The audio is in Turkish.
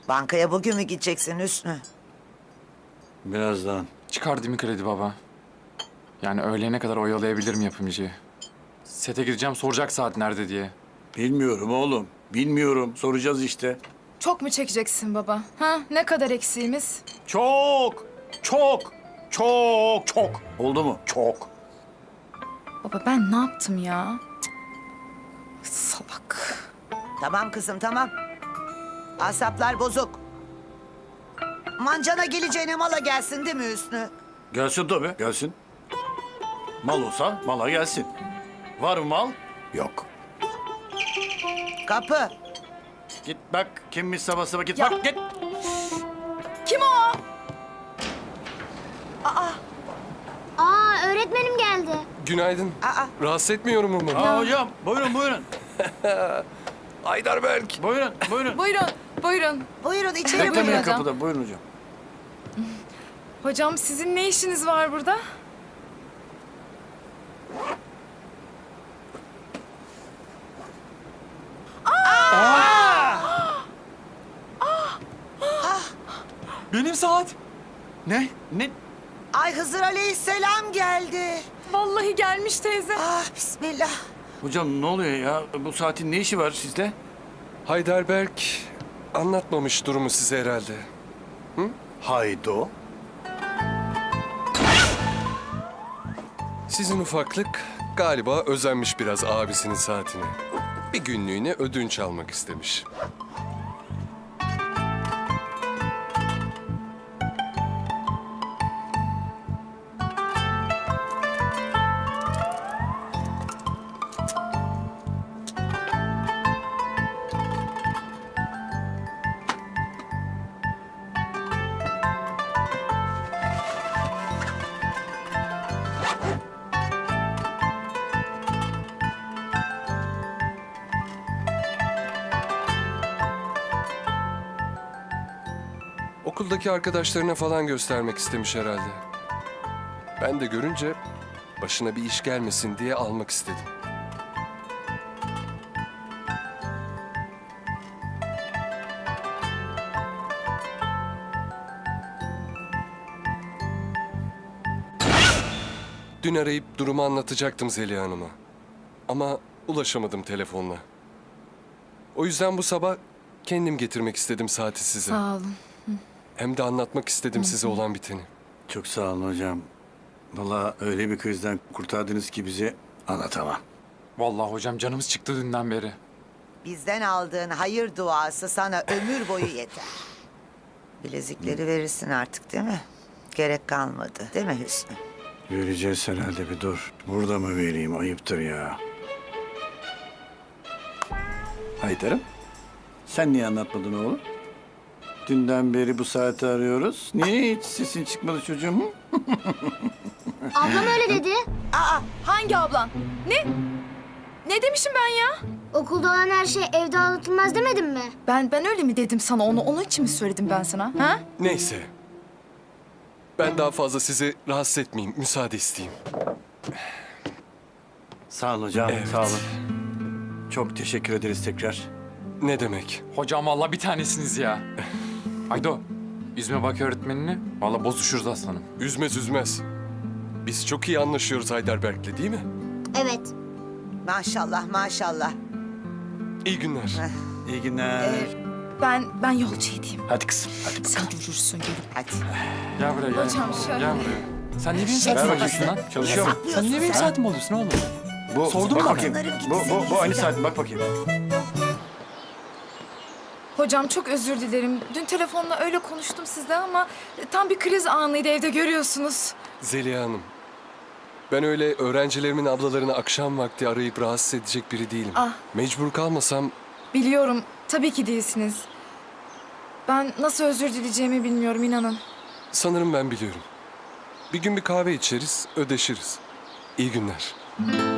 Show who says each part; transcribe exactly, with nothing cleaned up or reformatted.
Speaker 1: Bankaya bugün mü gideceksin Hüsnü?
Speaker 2: Birazdan.
Speaker 3: Çıkar değil mi kredi baba? Yani öğlene kadar oyalayabilirim yapımcıyı. Sete gideceğim, soracak saat nerede diye.
Speaker 2: Bilmiyorum oğlum. Bilmiyorum. Soracağız işte.
Speaker 4: Çok mu çekeceksin baba? Ha? Ne kadar eksiğimiz?
Speaker 2: Çok. Çok. Çok. Çok. Oldu mu? Çok.
Speaker 4: Baba ben ne yaptım ya? Cık, salak.
Speaker 1: Tamam kızım tamam. Asaplar bozuk. Mancana geleceğine mala gelsin değil mi Hüsnü?
Speaker 2: Gelsin tabii. Gelsin. Mal olsa mala gelsin. Var mı mal? Yok.
Speaker 1: Kapı.
Speaker 2: Git bak. Kimmiş sabah sabah git
Speaker 4: Ya.
Speaker 2: bak git.
Speaker 4: Kim o?
Speaker 5: Aa öğretmenim geldi.
Speaker 6: Günaydın.
Speaker 1: Aa.
Speaker 6: Rahatsız etmiyorum umarım.
Speaker 2: Aa hocam. Buyurun buyurun.
Speaker 6: Aydarberk.
Speaker 2: Buyurun buyurun.
Speaker 4: Buyurun, buyurun.
Speaker 1: Buyurun içeri
Speaker 4: Buyurun
Speaker 2: Beklemeyin
Speaker 4: hocam.
Speaker 2: kapıda. Buyurun hocam.
Speaker 4: Hocam sizin ne işiniz var burada?
Speaker 3: Benim saat.
Speaker 2: Ne? Ne?
Speaker 1: Ay Hızır Aleyhisselam geldi.
Speaker 4: Vallahi gelmiş teyze.
Speaker 1: Ah bismillah.
Speaker 2: Hocam ne oluyor ya? Bu saatin ne işi var sizde?
Speaker 6: Heidelberg anlatmamış durumu size herhalde.
Speaker 2: Haydo.
Speaker 6: Sizin ufaklık galiba özenmiş biraz abisinin saatine. Bir günlüğüne ödünç almak istemiş. Okuldaki arkadaşlarına falan göstermek istemiş herhalde. Ben de görünce başına bir iş gelmesin diye almak istedim. Dün arayıp durumu anlatacaktım Zeliha Hanım'a. Ama ulaşamadım telefonla. O yüzden bu sabah kendim getirmek istedim saati size.
Speaker 4: Sağ olun.
Speaker 6: Hem de anlatmak istedim size olan biteni.
Speaker 2: Çok sağ olun hocam. Vallahi öyle bir krizden kurtardınız ki bizi anlatamam.
Speaker 3: Vallahi hocam canımız çıktı dünden beri.
Speaker 1: Bizden aldığın hayır duası sana ömür boyu yeter. Bilezikleri verirsin artık değil mi? Gerek kalmadı değil mi Hüsnü?
Speaker 2: Vereceğiz herhalde bir dur. Burada mı vereyim? Ayıptır ya. Haydar'ım. Sen niye anlatmadın oğlum? Dünden beri bu saati arıyoruz. Niye hiç sesin çıkmadı çocuğum?
Speaker 5: Ablam öyle dedi.
Speaker 1: Aa
Speaker 4: Hangi ablan? Ne? Ne demişim ben ya?
Speaker 5: Okulda olan her şey evde anlatılmaz demedim mi?
Speaker 4: Ben ben öyle mi dedim sana onu? Onun için mi söyledim ben sana? Ha?
Speaker 6: Neyse. Ben daha fazla sizi rahatsız etmeyeyim. Müsaade isteyeyim.
Speaker 2: Sağ olun hocam.
Speaker 6: Evet.
Speaker 2: Sağ olun. Çok teşekkür ederiz tekrar.
Speaker 6: Ne demek?
Speaker 3: Hocam vallahi bir tanesiniz ya. Aydo, üzme bak öğretmenini. Vallahi bozuşuruz aslanım.
Speaker 6: Üzmez üzmez. Biz çok iyi anlaşıyoruz Heidelberg'le değil mi?
Speaker 5: Evet.
Speaker 1: maşallah maşallah.
Speaker 6: İyi günler.
Speaker 2: İyi günler.
Speaker 4: Ben ben yolcu edeyim.
Speaker 2: Hadi kızım. Hadi
Speaker 4: Sen görürsün gelip.
Speaker 1: Hadi.
Speaker 3: Gel buraya gel.
Speaker 4: Hocam şöyle.
Speaker 3: Gel buraya. Sen niye benim saatimi
Speaker 2: Ver bakayım
Speaker 3: alıyorsun
Speaker 2: şunu.
Speaker 3: lan?
Speaker 2: Çalışıyor mu?
Speaker 3: Sen niye benim saatimi alıyorsun oğlum?
Speaker 2: Bu,
Speaker 3: Sordun
Speaker 2: bak
Speaker 3: mu
Speaker 2: bakayım.
Speaker 1: bana?
Speaker 2: Bu, bu, bu aynı saat. Bak bakayım.
Speaker 4: Hocam çok özür dilerim. Dün telefonla öyle konuştum sizle ama tam bir kriz anıydı evde görüyorsunuz.
Speaker 6: Zeliha Hanım. Ben öyle öğrencilerimin ablalarını akşam vakti arayıp rahatsız edecek biri değilim.
Speaker 4: Ah.
Speaker 6: Mecbur kalmasam
Speaker 4: Biliyorum tabii ki değilsiniz. Ben nasıl özür dileyeceğimi bilmiyorum inanın.
Speaker 6: sanırım ben biliyorum. Bir gün bir kahve içeriz, ödeşiriz. İyi günler.